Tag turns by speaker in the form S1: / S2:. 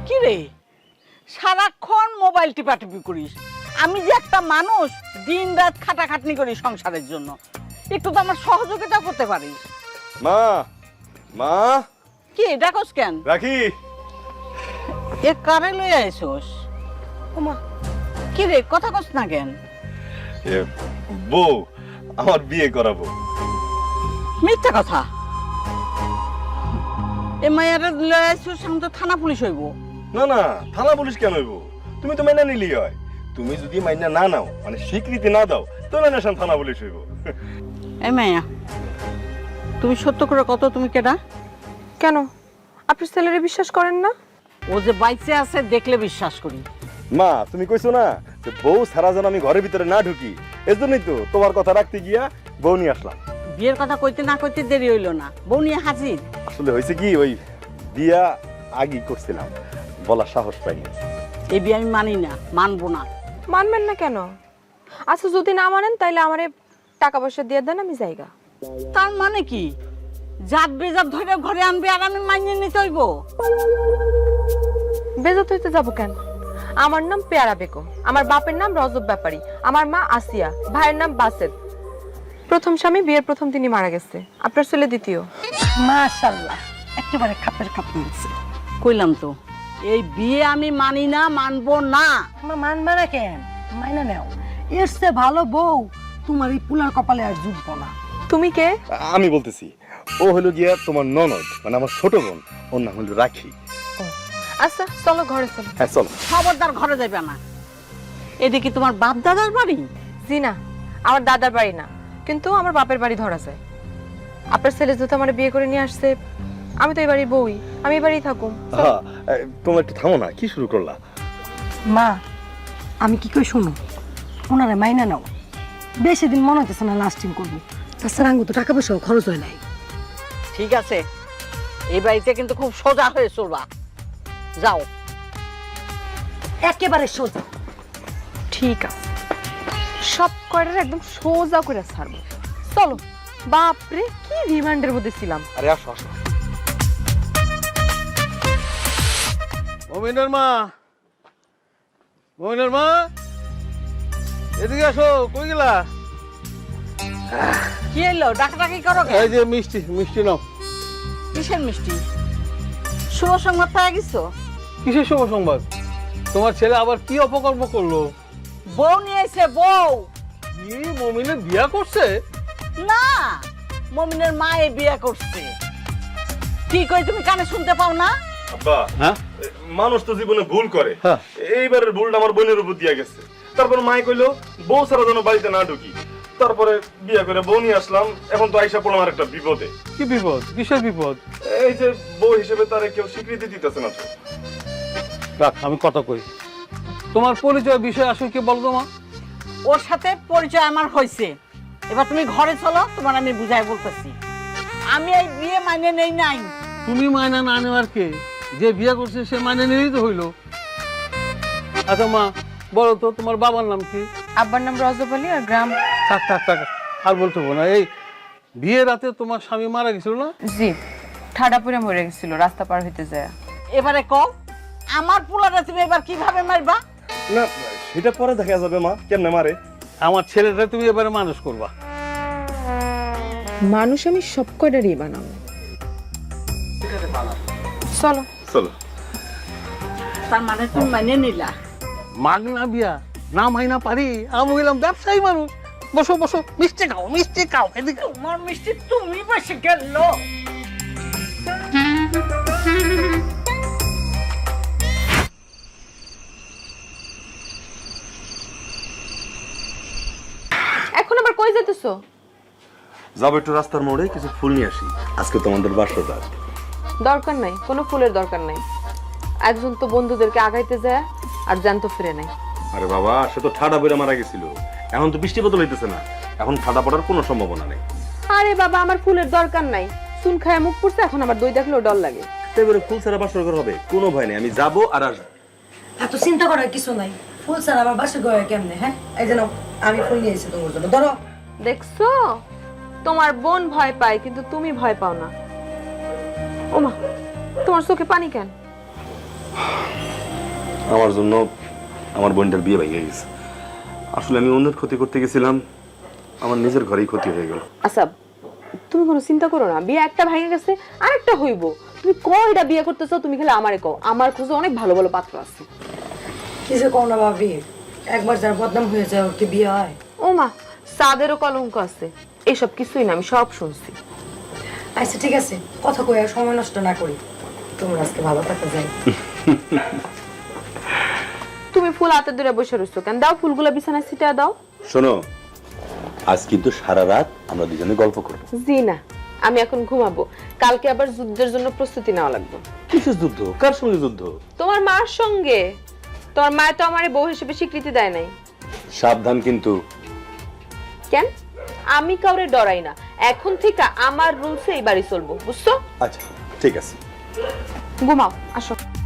S1: কি রে সারাক্ষণ মোবাইল টিপাটিপি করিস? আমি যে একটা মানুষ দিন রাত খাটাখাটনি করি সংসারের জন্য, একটু তো আমার সহযোগিতা করতে পারিস।
S2: মা মা
S1: কি ডাকস কেন?
S2: রাখি
S1: এ কারে লইয়া আইছস? ওমা কি রে কথা কস না কেন?
S2: এ বউ আমার বিয়ে করাবো।
S1: মিথ্যা কথা। এ মায়েরা লইয়া আইছস, এখন তো থানা পুলিশ হইব।
S2: না না, থানা পুলিশ কেন হইব? তুমি তো মাইনা নিলি হয়। তুমি যদি মাইনা না নাও, মানে স্বীকৃতি না দাও, তাহলে না থানা পুলিশ হইব।
S1: এ মায়া, তুমি সত্য করে কত, তুমি কেডা?
S3: কেন আপনি ছেলেরে বিশ্বাস করেন না?
S1: ও যে বাইচে আছে দেখলে বিশ্বাস করি।
S2: মা তুমি কইছো না যে বউ সারা যেন আমি ঘরের ভিতরে না ঢুকি, এজন্যই তো তোমার কথা রাখতে গিয়া বউ নিয়ে আসলাম।
S1: বিয়ের কথা কইতে না কইতে দেরি হইল না, বউ নিয়ে হাজির।
S2: আসলে হয়েছে কি, ওই বিয়া আগেই করছিলাম, বলার সাহস পাইনি।
S1: এই বিয়ে আমি মানি না, মানবো না।
S3: মানবেন না কেন? আচ্ছা যদি না মানেন তাইলে আমারে টাকা পয়সা দিয়ে দেন, আমি যাইগা।
S1: তার মানে কি জাত বেজাত ধরে ঘরে আনবে আর আমি মানিয়ে নিতে হইব?
S3: বেজাত হইতে যাবো কেন? আমার নাম পেয়ারা বেগম, আমার বাপের নাম রজব ব্যাপারী, আমার মা আসিয়া, ভাইয়ের নাম বাসেদ। প্রথম স্বামী বিয়ের প্রথম দিনই মারা গেছে, আপনার ছেলে দ্বিতীয়।
S1: মাশাআল্লাহ, একেবারে খাপের খাপ মিলছে। কইলাম তো এই বিয়ে আমি মানি না, মানবো না।
S4: তোমার মানবে না কেন? মাইনা নেও, এর চেয়ে ভালো বউ তোমার এই পুলার কপালে আর জুটবো না।
S3: তুমি কে?
S2: আমি বলতেছি, ও হলো গিয়া তোমার ননদ, মানে আমার ছোট বোন, ওর নাম হলো রাখি।
S3: আচ্ছা চলো ঘরে চলো।
S2: হ্যাঁ চলো।
S1: খবরদার ঘরে যাবে না। এটা কি তোমার বাপ দাদার বাড়ি?
S3: জি না, আমার দাদার বাড়ি না, কিন্তু আমার বাপের বাড়ি ধরা যায়। আপনার ছেলে যেহেতু আমার বিয়ে করে নিয়ে আসছে, আমি তো এই বাড়ির বউই, আমি এই বাড়িই থাকুম।
S2: হ্যাঁ, তোমরা একটু থামো না, কি শুরু করলা?
S4: মা আমি কি কই শোনো, ওনারে মাইনা নাও। বেশি দিন মনে হইতেছে না লাস্টিং করবো, তাছাড়া আঙ্গু তো টাকা পয়সাও খরচ হয় নাই।
S1: ঠিক আছে, এই বাড়িতে কিন্তু খুব সোজা হয়ে চলবা। যাও।
S4: একেবারে সোজা।
S3: ঠিক আছে, সব কয়টার একদম সোজা করে ছাড়বো। চলো। বাপরে কি রিমান্ডের মধ্যে ছিলাম।
S2: আরে আসো আসো।
S5: মমিনের মা, মমিনের মা, এদিকে আসো। কই গেলা?
S1: কি এলো ডাকাডাকি করো কেন?
S5: এই যে মিষ্টি, মিষ্টি নাও।
S1: কিসের মিষ্টি? শুভ সংবাদ পাওয়া গেছো?
S5: কিসের শুভ সংবাদ? তোমার ছেলে আবার কি অপকর্ম করলো?
S1: বউ নিয়ে এসে বউ।
S5: কি মমিনের বিয়া করছে?
S1: না, মমিনের মায়ে বিয়ে করছে। কি কই তুমি কানে শুনতে পাও না?
S2: আব্বা,
S5: হ্যাঁ
S2: মানুষ তো জীবনে ভুল করে।
S5: হ্যাঁ।
S2: এইবারের ভুলটা আমার বোনের উপর দিয়া গেছে। তারপর মাই কইলো বউ সারা যেন বাড়িতে না ঢুকি। তারপরে বিয়ে করে বউ নিয়ে আসলাম। এখন তো আইসা পড়লাম আর একটা বিপদে।
S5: কি বিপদ? কিসের বিপদ?
S2: এই যে বউ হিসেবে তারে কেউ স্বীকৃতি দিতেছে না তো।
S5: রাখ, আমি কথা কই। তোমার পরিচয় বিষয় আসলে কি বলতো মা?
S1: ওর সাথে পরিচয় আমার হয়েছে, এবার তুমি ঘরে চলো, তোমার আমি বুঝাই বলতেছি। আমি এই বিয়ে মানে নেই নাই।
S5: তুমি মায়না না নেওয়ার কে? যে বিয়ে করছে সে মানে নিয়েই তো হইলো। আচ্ছা মা, বলো তো তোমার বাবার নাম কি?
S3: আব্বার নাম রজব আলী, আর গ্রাম।
S5: থাক থাক থাক, আর বলতে হবে না। এই বিয়ের রাতে তোমার স্বামী মারা গেছিল না?
S3: জি, ঠাডাপুরে মরে গেছিল রাস্তা পার হইতে যায়।
S1: এবারে কও, আমার পোলাটা তুমি এবার কিভাবে মারবা?
S2: না, সেটা পরে দেখা যাবে মা, কেমনে মারে।
S5: আমার ছেলেটা তুমি এবারে মানুষ করবা।
S3: মানুষ আমি সব কয়টারই বানাবো। চলো
S2: চলো।
S1: তার মানে তুমি মানে নিলা?
S5: মাগনা বিয়া না মাইনা পারি? আমি বললাম ব্যবসায়ী মানুষ। বসো বসো, মিষ্টি খাও, মিষ্টি খাও। এদিকে
S1: তোমার মিষ্টি তুমি বসে গেল।
S3: এখন আবার কই যেতেছো?
S2: যাবো একটু রাস্তার মোড়ে, কিছু ফুল নিয়ে আসি। আজকে তোমাদের বাসরটা।
S3: দরকার নাই, কোনো ফুলের দরকার নাই। একজন তো বন্ধুদেরকে আগাইতে যায় আর জ্যান্ত ফিরে নাই।
S2: আরে বাবা, সে তো ঠাডা বইরা মারা গেছিল। এখন তো বৃষ্টি বদল হইতেছে না, এখন ঠাডা পড়ার কোনো সম্ভাবনা নেই।
S3: আরে বাবা, আমার ফুলের দরকার নাই। চুন খায় মুখ পড়ছে, এখন আমার দই দেখলেও ডর লাগে।
S2: এবারে ফুল ছাড়া বাসর ঘর হবে? কোনো ভয় নেই, আমি যাবো আর আসবো।
S4: এত চিন্তা করার কিছু নাই। ফুল ছাড়া আবার বাসে গয়ে কেমনে? হ্যাঁ, এই যে নাও, আমি ফুল নিয়ে এসেছি তোমার জন্য, ধরো।
S3: দেখছো, তোমার বোন ভয় পায় কিন্তু তুমি ভয় পাও না। ওমা, তোমার চোখে পানি কেন?
S2: আমার জন্য আমার বোনটার বিয়ে ভেঙে গেছে। আসলে আমি অন্যের ক্ষতি করতে গেছিলাম, আমার নিজের ঘরেই ক্ষতি হয়ে গেল।
S3: আচ্ছা তুমি কোনো চিন্তা করো না, বিয়ে একটা ভেঙে গেছে আরেকটা হইব। তুমি কয়টা বিয়ে করতেছো তুমি খালি আমারে কও, আমার খোঁজে অনেক ভালো ভালো পাত্র আছে।
S4: কি যে কও না ভাবি, একবার যার বদনাম হয়ে যায় ওর কি বিয়ে হয়?
S3: ও মা, সাদেরও কলঙ্ক আছে। এসব কিছুই না, আমি সব শুনছি।
S4: আচ্ছা ঠিক আছে, কথা কই আর সময় নষ্ট না করি, তোমরা আজকে ভালো থাকা যায়।
S3: তুমি ফুল হাতে ধরে বসে রইছো কেন? দাও ফুলগুলো বিছানায় ছিটা দাও।
S6: শোনো, আজ কিন্তু সারা রাত আমরা দুজনে গল্প করব।
S3: জি না, আমি এখন ঘুমাবো, কালকে আবার যুদ্ধের জন্য প্রস্তুতি নেওয়া লাগবে।
S6: কিসের যুদ্ধ? কার সঙ্গে যুদ্ধ?
S3: তোমার মার সঙ্গে। তোমার মা তো আমারে বউ হিসেবে স্বীকৃতি দেয় নাই।
S6: সাবধান কিন্তু।
S3: কেন? আমি কাউরে ডরাই না, এখন থেকে আমার রুলসে এই বাড়ি চলবো, বুঝছো?
S6: আচ্ছা ঠিক আছে।
S3: ঘুমাও, আসো।